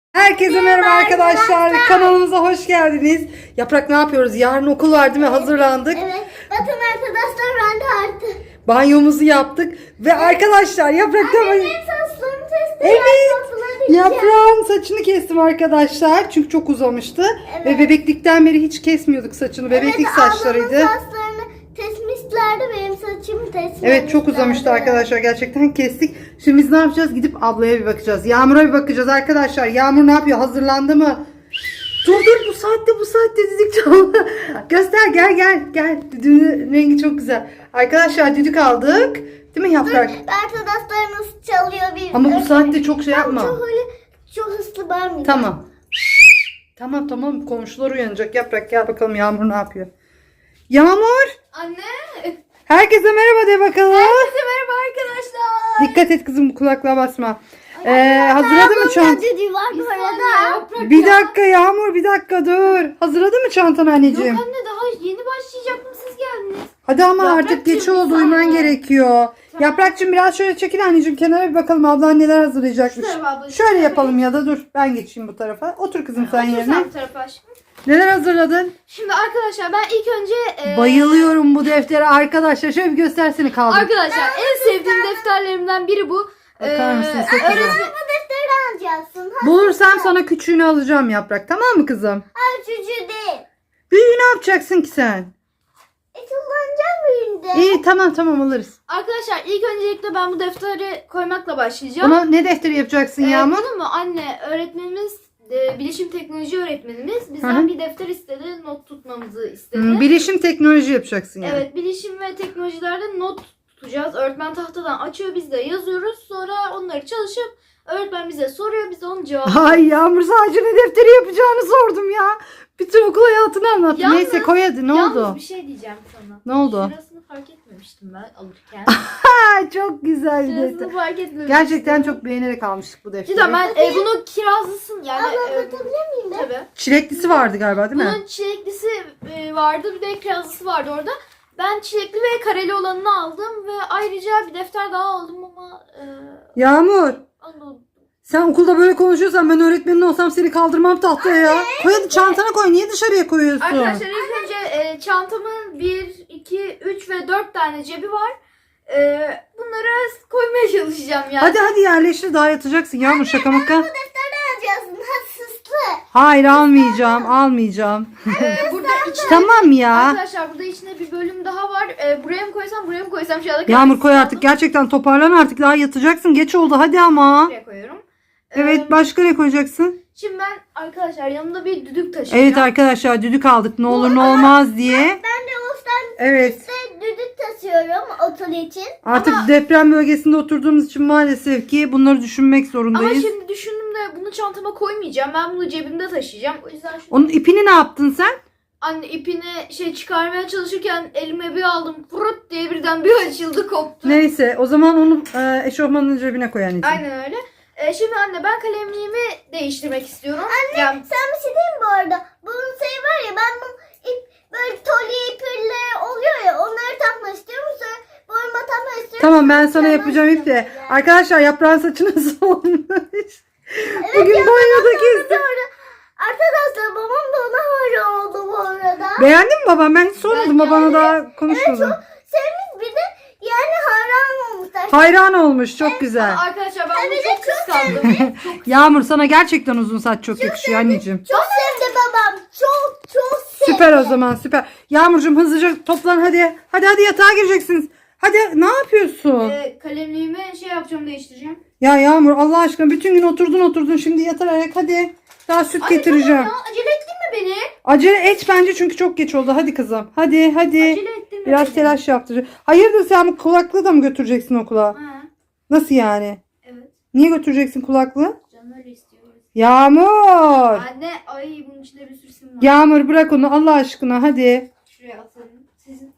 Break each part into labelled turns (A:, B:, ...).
A: Herkese merhaba arkadaşlar. Kanalımıza hoş geldiniz. Yaprak ne yapıyoruz? Yarın okul var değil mi? Hazırlandık.
B: Evet. Bakın arkadaşlar ben de artık.
A: Banyomuzu yaptık. Ve arkadaşlar Yaprak da...
B: Benim saçlarımı test
A: Evet. Yaprağın saçını kestim arkadaşlar. Çünkü çok uzamıştı.
B: Evet.
A: Ve bebeklikten beri hiç kesmiyorduk saçını. Bebeklik saçlarıydı.
B: Ablamın saçlarını kesmişlerdi. Benim saçımı kesmişlerdi.
A: Evet, çok uzamıştı arkadaşlar. Gerçekten kestik. Şimdi biz ne yapacağız? Gidip ablaya bir bakacağız. Yağmur'a bir bakacağız arkadaşlar. Yağmur ne yapıyor? Hazırlandı mı? Dur bu saatte düdük çaldı. Göster, gel. Düdüğün rengi çok güzel. Arkadaşlar düdük aldık. Değil mi Yaprak?
B: Arkadaşlar nasıl çalıyor bir.
A: Ama bu saatte çok şey yapma.
B: Çok hızlı bağırmayacağım.
A: Tamam. Tamam komşular uyanacak. Yaprak gel bakalım Yağmur ne yapıyor? Yağmur!
C: Anne.
A: Herkese merhaba de bakalım.
C: Herkese merhaba arkadaşlar.
A: Dikkat et kızım, kulaklığa basma. Hazırladın mı çantanı?
B: Düdüğü var bu arada.
A: Bir dakika Yağmur, bir dakika dur. Hazırladın mı çantanı anneciğim?
C: Yok anne, daha yeni başlayacaktım, siz geldiniz.
A: Hadi ama
C: Yaprakçığım,
A: artık geç
C: bir
A: oldu, uyuman
C: saniye.
A: gerekiyor.
C: Tamam.
A: Yaprakçığım biraz şöyle çekil anneciğim, kenara bir bakalım ablan neler hazırlayacakmış.
C: Şu tarafa abla, şu
A: Şöyle
C: tarafa.
A: yapalım ya da dur ben geçeyim bu tarafa. Otur kızım sen
C: Otur
A: yerine.
C: sen bu tarafa aşkım.
A: Neler hazırladın?
C: Şimdi arkadaşlar ben ilk önce
A: Bayılıyorum bu deftere arkadaşlar. Şöyle bir göstersene kaldı.
C: Arkadaşlar en sevdiğim defterlerimden biri bu.
A: Bakar mısın? Çok güzel.
B: Bu defteri alacaksın.
A: Bulursam sana küçüğünü alacağım Yaprak, tamam mı kızım?
B: Hayır çocuğu değil.
A: Büyüğü ne yapacaksın ki sen?
B: Kullanacağım büyüğünde.
A: İyi tamam alırız.
C: Arkadaşlar ilk öncelikle ben bu defteri koymakla başlayacağım.
A: Ona ne defteri yapacaksın Yağmur?
C: Bunu mu anne, öğretmenimiz bilişim teknoloji öğretmenimiz
A: Hı
C: bizden
A: hı.
C: bir defter istedi, not tutmamızı istedi.
A: Bilişim teknoloji yapacaksın yani.
C: Evet, bilişim ve teknolojilerde not tutacağız. Öğretmen tahtadan açıyor, biz de yazıyoruz. Sonra onları çalışıp öğretmen bize soruyor, biz de onun cevabını.
A: Ay Yağmur, sadece ne defteri yapacağını sordum ya. Bütün okul hayatını anlattın.
C: Yalnız-
A: Neyse koy hadi, ne
C: Yalnız
A: oldu?
C: bir şey diyeceğim sana.
A: Ne oldu?
C: Şurasını fark etmemiştim ben alırken.
A: Ha, çok güzel bir defter.
C: Şurasını fark etmemiştim.
A: Gerçekten çok beğenerek almıştık bu defteri.
C: Cidden ben bunu kirazlısın yani.
B: Anlatabilir miyim ben?
C: Tabii.
A: Çileklisi vardı galiba değil mi?
C: Bunun çileklisi vardı, bir de kirazlısı vardı orada. Ben çilekli ve kareli olanını aldım ve ayrıca bir defter daha aldım ama
A: Yağmur,
C: onu
A: sen okulda böyle konuşuyorsan ben öğretmenin olsam seni kaldırmam tahtaya ya. Koy hadi, çantana koy. Niye dışarıya koyuyorsun?
C: Arkadaşlar ilk önce çantamın 1, 2, 3 ve 4 tane cebi var. Bunları koymaya çalışacağım yani.
A: Hadi yerleştir, daha yatacaksın Yağmur, şaka maka.
B: Alacaksın. Hassıslı.
A: Hayır, almayacağım.
C: Burada içine,
A: Tamam ya.
C: arkadaşlar burada içinde bir bölüm daha var. Buraya mı koysam şu anda.
A: Yağmur koy artık, gerçekten toparlan artık, daha yatacaksın, geç oldu hadi ama.
C: Buraya koyuyorum.
A: Evet, başka ne koyacaksın?
C: Şimdi ben arkadaşlar yanımda bir düdük taşıyacağım.
A: Evet arkadaşlar, düdük aldık ne olur ne olmaz diye.
B: Ben de Oğuz'dan
A: Evet,
B: düdük taşıyorum okul için.
A: artık deprem bölgesinde oturduğumuz için maalesef ki bunları düşünmek
C: Ama
A: zorundayız.
C: şimdi düşündüm de bunu çantama koymayacağım. Ben bunu cebimde taşıyacağım. O yüzden şu
A: Onun ipini ne yaptın sen?
C: anne ipini çıkarmaya çalışırken elime bir aldım. Fırıt diye birden bir açıldı, koptu.
A: Neyse, o zaman onu eşofmanın cebine koy anneciğim.
C: Aynen öyle. Şimdi anne ben kalemliğimi değiştirmek istiyorum. Anne
B: Sen bir şey diyeyim mi bu arada? Bunun şey var ya, ben bu ip böyle toli ipleri oluyor ya, onları takmak istiyorum. Sonra boyuma takmak istiyorum.
A: Tamam, ben sana
B: Tamam,
A: yapacağım ip de.
B: yani.
A: Arkadaşlar yaprağın saçı nasıl olmuş?
B: Evet,
A: Bugün
B: ya,
A: banyoda
B: babam
A: kestim.
B: da öyle. Arkadaşlar babam da ona öyle oldu bu arada.
A: Beğendin mi babam? Ben hiç sormadım,
C: Ben
A: babana daha konuşmadım.
B: Sevmiş, bir de yani hayran olmuşlar.
A: Hayran olmuş, çok güzel.
C: arkadaşlar ben bunu
B: bir de
C: çok
B: çok
C: kıskandım.
A: Yağmur, sana gerçekten uzun saç çok yakışıyor anneciğim.
B: Çok sevdi babam. Çok sevdi.
A: Süper o zaman, süper. Yağmurcuğum hızlıca toplan hadi. Hadi yatağa gireceksiniz. Hadi, ne yapıyorsun?
C: Kalemliğimi yapacağım, değiştireceğim.
A: Ya Yağmur, Allah aşkına bütün gün oturdun şimdi yatarak hadi. Daha süt getireceğim.
C: Anne tamam ya, acele ettin mi beni?
A: Acele et bence, çünkü çok geç oldu. Hadi kızım. Hadi.
C: Acele ettin mi
A: Biraz
C: beni?
A: telaş yaptıracağım. Hayırdır, sen bu kulaklığı da mı götüreceksin okula?
C: Ha,
A: Nasıl yani?
C: evet.
A: Niye götüreceksin kulaklığı?
C: Canım öyle istiyor.
A: Yağmur.
C: Anne ay bunun içinde bir sürü sim var.
A: Yağmur, bırak onu Allah aşkına, hadi.
C: Şuraya atalım. Sizin.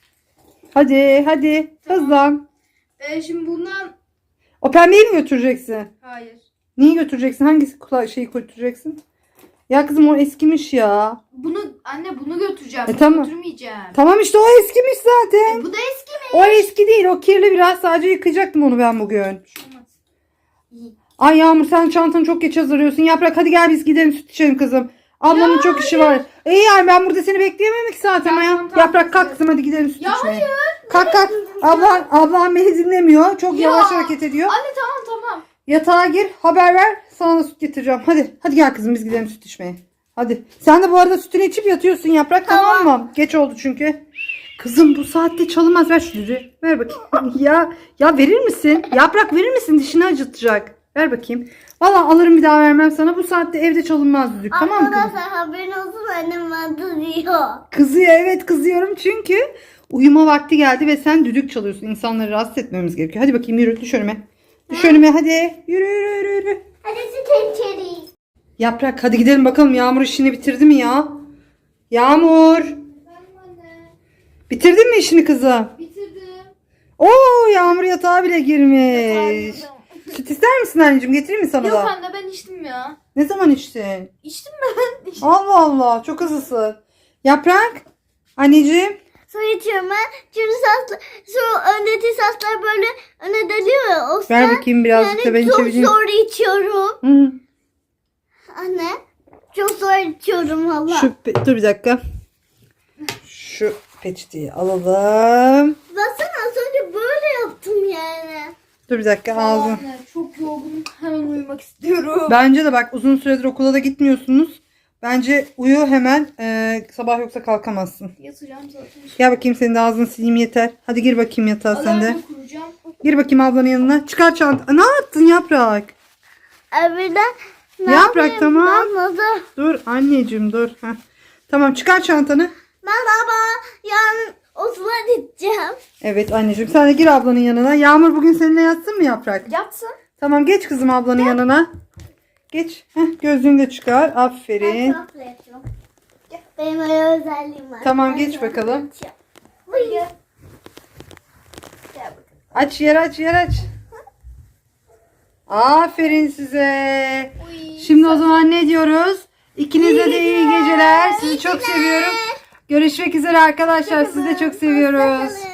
A: Hadi. Hızlan.
C: Şimdi bundan
A: O pembeyi mi götüreceksin?
C: hayır.
A: Neyi götüreceksin? Hangisi şeyi götüreceksin? Ya kızım, o eskimiş ya.
C: Bunu götüreceğim. Bunu
A: tamam.
C: götürmeyeceğim.
A: Tamam işte, o eskimiş zaten.
C: Bu da eski mi?
A: O eski değil, o kirli biraz, sadece yıkayacaktım onu ben bugün.
C: Olmaz.
A: Ay Yağmur sen çantanı çok geç hazırlıyorsun. Yaprak hadi gel biz gidelim süt içelim kızım. Ablanın
C: Ya
A: çok işi var. İyi yani ben burada seni bekleyemem ki zaten ya.
C: Tamam,
A: Yaprak kalk kızım hadi gidelim süt
C: Ya
A: içmeye.
C: hayır.
A: Kalk kalk. Ablan beni dinlemiyor. Çok
C: Ya.
A: yavaş hareket ediyor.
C: Anne tamam.
A: Yatağa gir haber ver. Sana da süt getireceğim. Hadi gel kızım biz gidelim süt içmeye. Hadi. Sen de bu arada sütünü içip yatıyorsun Yaprak tamam mı? Geç oldu çünkü. Kızım bu saatte çalınmaz. Ver şu düdüğü. Ver bakayım. ya verir misin? Yaprak verir misin? Dişini acıtacak. Ver bakayım. Valla alırım bir daha vermem sana. Bu saatte evde çalınmaz düdük. Tamam mı kızım?
B: Arkadaşlar haberin olsun annem bana diyor.
A: Kızıyor evet kızıyorum çünkü uyuma vakti geldi ve sen düdük çalıyorsun. İnsanları rahatsız etmemiz gerekiyor. Hadi bakayım yürü düş önüme. Düş önüme hadi. Yürü.
B: Hadi süt içeri.
A: Yaprak hadi gidelim bakalım Yağmur işini bitirdi mi ya? Yağmur. Bitirdin mi işini kızım?
C: Bitirdim.
A: Oo Yağmur yatağa bile girmiş. Süt ister misin anneciğim? Getireyim mi sana
C: Yok
A: da?
C: anne ben içtim ya.
A: Ne zaman içtin?
C: İçtim ben.
A: Allah Allah çok hızlısın. Yaprak. Anneciğim.
B: Su içiyorum ben. Çünkü su öndeki saçlar böyle öne dönüyor ya. O
A: Ver
B: yüzden
A: bakayım birazcık da ben
B: çok
A: içebileyim.
B: zor içiyorum.
A: Hı.
B: Anne. Çok zor içiyorum valla.
A: Dur bir dakika. Şu peçeteyi alalım.
B: Baksana az önce böyle yaptım yani.
A: Dur bir dakika ağzım.
C: Anne çok yorgunum. Hemen uyumak istiyorum.
A: Bence de bak uzun süredir okula da gitmiyorsunuz. Bence uyu hemen. Sabah yoksa kalkamazsın.
C: Yatacağım zaten.
A: Gel bakayım senin de ağzını sileyim yeter. Hadi gir bakayım yatağa sen de.
C: Alarmı kuracağım.
A: Gir bakayım ablanın yanına. Çıkar çanta. Ne yaptın Yaprak?
B: Evden ne
A: Yaprak,
B: yapayım?
A: tamam.
B: Ben nasıl?
A: Dur anneciğim dur. Heh. Tamam çıkar çantanı.
B: Ben baba yarın okula gideceğim.
A: Evet anneciğim sen de gir ablanın yanına. Yağmur bugün seninle yatsın mı Yaprak?
C: Yatsın.
A: Tamam geç kızım ablanın yanına. Geç. Gözlüğünü de çıkar. Aferin.
B: Ben çok yapıyorum. Benim öyle özelliğim var.
A: Tamam,
B: Ben
A: geç
B: çok
A: bakalım.
B: yapacağım. Buyur. Gel bakalım.
A: Aç yer aç. Aferin size.
C: Uy.
A: Şimdi o zaman ne diyoruz? İkinize de iyi geceler. Sizi çok seviyorum. Görüşmek üzere arkadaşlar. Sizi de çok seviyoruz.